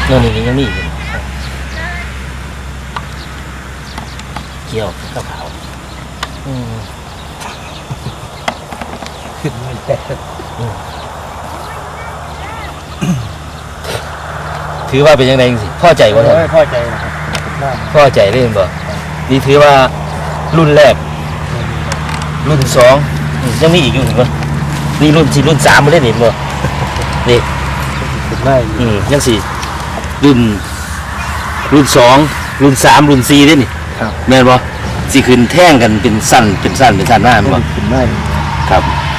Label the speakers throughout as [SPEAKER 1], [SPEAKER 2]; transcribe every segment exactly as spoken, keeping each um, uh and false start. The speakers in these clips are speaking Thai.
[SPEAKER 1] โน่นนี่ยังมีอยู่เกี่ยวข้าวขาวอืมขึ้นไม่แต่ถือว่าเป็นยังไงสิพ่อใจวะท่านพ่อใจนะครับพ่อใจเล่นบ่นี่ถือว่ารุ่นแรกรุ่นสองยังมีอีกอยู่เห็นบ่นี่รุ่นสี่รุ่นสามมาเล่นเห็นบ่นี่อืมยังสี่รุ่นรุ่นสองรุ่นสามรุ่นสี่ได้นี่แม่นบ่สิขึ้นแท่งกันเป็นสั้นเป็นสั้นเป็นสั้นหน้าแม่นบ่ขึ้นได้ครับ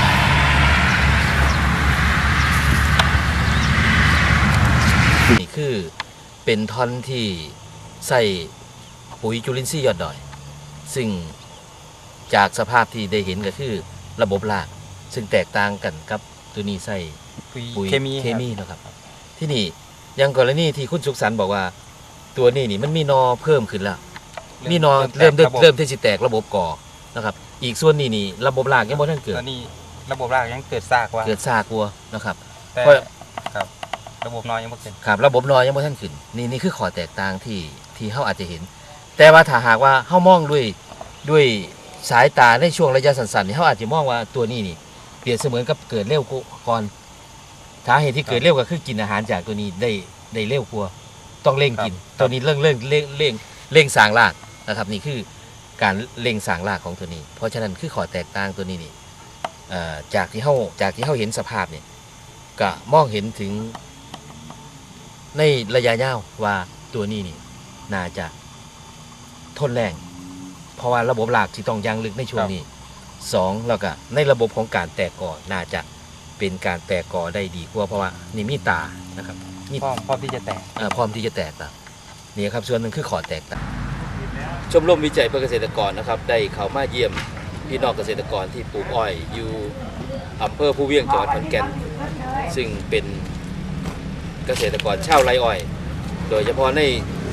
[SPEAKER 1] นี่คือเป็นท่อนที่ใส่ปุ๋ยจุลินทรีย์ยอดดอยซึ่งจากสภาพที่ได้เห็นก็คือระบบรากซึ่งแตกต่างกันกับตัวนี้ใส่ปุ๋ยเคมีเคมีนะครับที่นี่ยังกรณีที่คุณสุขสันต์บอกว่าตัวนี้นี่มันมีนอเพิ่มขึ้นแล้วมีนอเริ่มเริ่มที่จะแตกระบบก่อนะครับอีกส่วนนี้นี่ระบบรากยังไม่ทันเกิด
[SPEAKER 2] ตอนนี้ระบบรากยังเกิดซากว่า
[SPEAKER 1] เกิดซากวัวนะครับ
[SPEAKER 2] แต่ครับระบบนอยังไม่เกิด
[SPEAKER 1] ครับระบบนอยังไม่ทันขึ้นนี่นี่คือข้อแตกต่างที่ที่เขาอาจจะเห็นแต่ว่าถ้าหากว่าเขามองด้วยด้วยสายตาในช่วงระยะสั้นๆนี่เขาอาจจะมองว่าตัวนี้นี่เปรียบเสมือนกับเกิดเร็วก่อนสาเหตุที่เกิดเร็วก็คือกินอาหารจากตัวนี้ได้ได้เร็วกว่าต้องเร่งกินตัวนี้เร่งเร่งเร่งเร่งเร่งสร้างรากนะครับนี่คือการเร่งสร้างรากของตัวนี้เพราะฉะนั้นคือข้อแตกต่างตัวนี้นี่จากที่เขาจากที่เขาเห็นสภาพเนี่ยก็มองเห็นถึงในระยะยาวว่าตัวนี้นี่น่าจะทนแรงเพราะว่าระบบรากที่ต้องยังลึกในช่วงนี้สองแล้วก็ในระบบของการแตกกอน่าจะเป็นการแตกกอได้ดีกว่าเพราะว่านี่มีตานะครับ
[SPEAKER 2] พร้อมพร้อมที่จะแตก
[SPEAKER 1] พร้อมที่จะแตกตานี่ครับส่วนหนึ่งคือขอแตกต่างชมรมวิจัยเพื่อเกษตรกรนะครับได้เข้ามาเยี่ยมพี่น้องเกษตรกรที่ปลูกอ้อยอยู่อำเภอภูเวียงจังหวัดขอนแก่นซึ่งเป็นเกษตรกรชาวไร่อ้อยโดยเฉพาะใน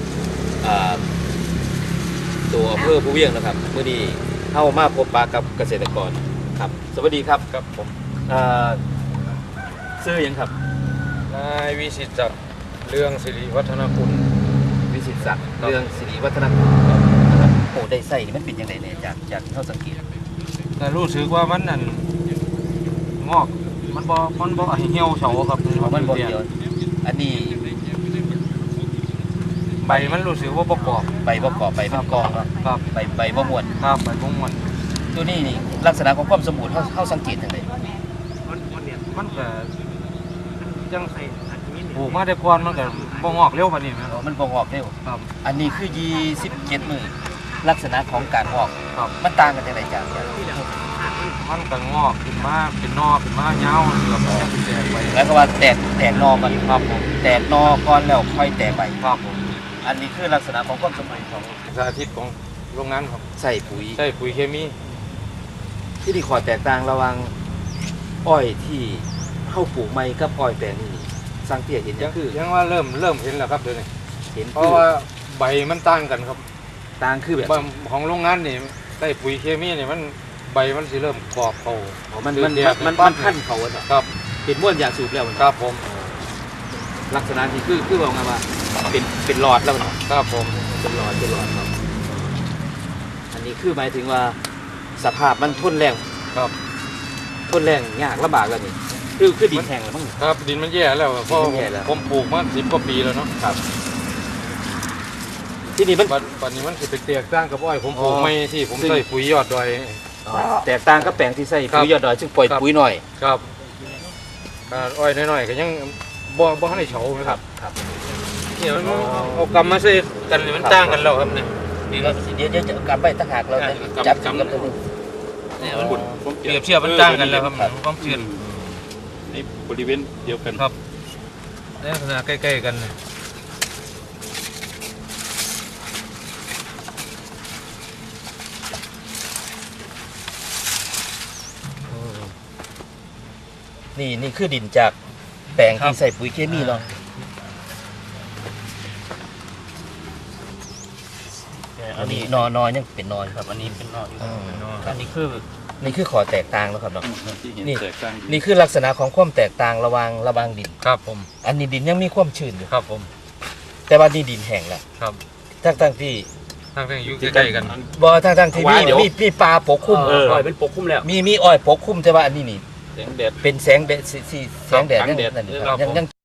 [SPEAKER 1] ตัวอำเภอภูเวียงนะครับเมื่อนี้เข้ามาพบปะกับเกษตรกรครับสวัสดีครับ
[SPEAKER 2] ครับผม
[SPEAKER 1] ชื่อยังครับ
[SPEAKER 2] นายวิสิตศักดิ์เรื่องสิริวัฒนคุณ
[SPEAKER 1] วิสิตศักดิ์เรื่องสิริวัฒนคุณนะครับโอ้ได้ใส่มันเป็นยังไงเนี่ยจากจากเท่าสังเกต
[SPEAKER 2] แต่รู้สึกว่ามันนั่นงอกมันบ่มันบ่เหี่ยวเฉาครับ
[SPEAKER 1] มันบ่เหี่ยวอันนี้
[SPEAKER 2] ใบมันรู้สึกว่าประกอบ
[SPEAKER 1] ใบประกอบใบเป็นกอง
[SPEAKER 2] ครับ
[SPEAKER 1] ใบใบบ่ม้วน
[SPEAKER 2] ครับใบบ่ม้วน
[SPEAKER 1] ตัวนี้นี่ลักษณะของความสมบูรณ์เขาเขาสังเกตยังไง
[SPEAKER 2] มันมันก็จังไสปลูกมาได้ก่อนมันก็บ่งอกเร็วปานนี้แม่
[SPEAKER 1] นมันบ่งอกเร็ว
[SPEAKER 2] ครับ
[SPEAKER 1] อันนี้คือยี่สิบเจ็ดมื้อลักษณะของการงอก
[SPEAKER 2] ครับ
[SPEAKER 1] มันต่างกันจังได๋จาก
[SPEAKER 2] มันก็งอกขึ้นมาเป็นนอขึ้นมายาวเกือบจะแตกไป
[SPEAKER 1] แล้วก็ว่าแตกแตกนอก่อนครับผมแตกนอก่อนแล้วค่อยแตกใบ
[SPEAKER 2] ครับผม
[SPEAKER 1] อันนี้คือลักษณะของความสมบูรณ์ของ
[SPEAKER 2] สาธิตของโรงงานครับ
[SPEAKER 1] ใส่ปุ๋ย
[SPEAKER 2] ใส่ปุ๋ยเคมี
[SPEAKER 1] ที่นี่ขอแตกต่างระหว่างอ้อยที่เข้าปลูกใหม่กับอ้อยแปลงนี้สังเกตเห็นยังคือ
[SPEAKER 2] ยังว่าเริ่มเริ่มเห็นแล้วครับเดี๋ยวนี้
[SPEAKER 1] เห็น
[SPEAKER 2] เพราะว่าใบมันต่างกันครับ
[SPEAKER 1] ต่างคือแบบ
[SPEAKER 2] ของโรงงานนี่ใส่ปุ๋ยเคมีนี่มันใบมันสิเริ่มกรอบเขา
[SPEAKER 1] มันมันมันมันขั้นเขา
[SPEAKER 2] ครับ
[SPEAKER 1] เป็นม้วนยาสูบแล้ว
[SPEAKER 2] ครับผม
[SPEAKER 1] ลักษณะที่คือคือบอกไงว่าเป็นเป็นหลอดแล้ว
[SPEAKER 2] ครับผม
[SPEAKER 1] เป็นหลอดเป็นหลอดครับอันนี้คือหมายถึงว่าสภาพมันทนแรง
[SPEAKER 2] ครับ
[SPEAKER 1] ทนแรงยากลำบากแล้วนี่คือคือดินแห้งแล้วมั้ง
[SPEAKER 2] ครับดินมันแย่แล้วเพราะผมปลูกมาสิบกว่าปีแล้วเนาะ
[SPEAKER 1] ครับที่นี่มัน
[SPEAKER 2] ปัจจุบันมันสิเป็นแตกต่างกับอ้อยผมปลูกไม่ที่ผมใส่ปุ๋ยยอดดอย
[SPEAKER 1] แตกต่างกับแปลงที่ใส่ปุ๋ยยอดดอยซึ่งปล่อยปุ๋ยหน่อย
[SPEAKER 2] ครับอ้อยน้อยๆก็ยังบ่บ่ให้เฉาไหมครับ
[SPEAKER 1] ครับ
[SPEAKER 2] เนี่ยมันเอากำมาใส่กันมันต่างกันแล้วครับเนี่ย
[SPEAKER 1] นี่ก็เดี๋ยวเดี๋ยวจะกลับไปตั้งหากเราจับจับกับตัวนี้
[SPEAKER 2] เนี่ยมันเปรียบเทียบมันต่างกันแล้วครับความชื้น
[SPEAKER 3] ในบริเวณเดียวกัน
[SPEAKER 2] ครับในลักษณะใกล้ๆกัน
[SPEAKER 1] นี่นี่คือดินจากแปลงที่ใส่ปุ๋ยเคมีเนาะอันนี้นอนอยังเป็นนอน
[SPEAKER 2] ครับอันนี้เป็นนอน
[SPEAKER 1] อันนี้คือนี่คือขอแตกต่างแล้วครับเนาะนี่นี่คือลักษณะของความแตกต่างระหว่างระหว่างดิน
[SPEAKER 2] ครับผม
[SPEAKER 1] อันนี้ดินยังมีความชื้นอยู่
[SPEAKER 2] ครับผม
[SPEAKER 1] แต่ว่านี่ดินแห้งแล้ว
[SPEAKER 2] ครับ
[SPEAKER 1] ทั้งทั้งที่
[SPEAKER 2] ทางทางอยู่ใกล้ๆกัน
[SPEAKER 1] บ่ทั้งทั้งที่มีมีมีปลาปกคลุม
[SPEAKER 3] เออปล่อยเป็นปกคลุมแล้ว
[SPEAKER 1] มีมีอ้อยปกคลุมแต่ว่าอันนี้นี่
[SPEAKER 3] แสงแดด
[SPEAKER 1] เป็นแสงแดดสีสีแสงแดด
[SPEAKER 3] ครับ
[SPEAKER 1] ยัง
[SPEAKER 3] แสงแดด
[SPEAKER 1] นั่นอยู่
[SPEAKER 2] ครับ
[SPEAKER 1] ยังยัง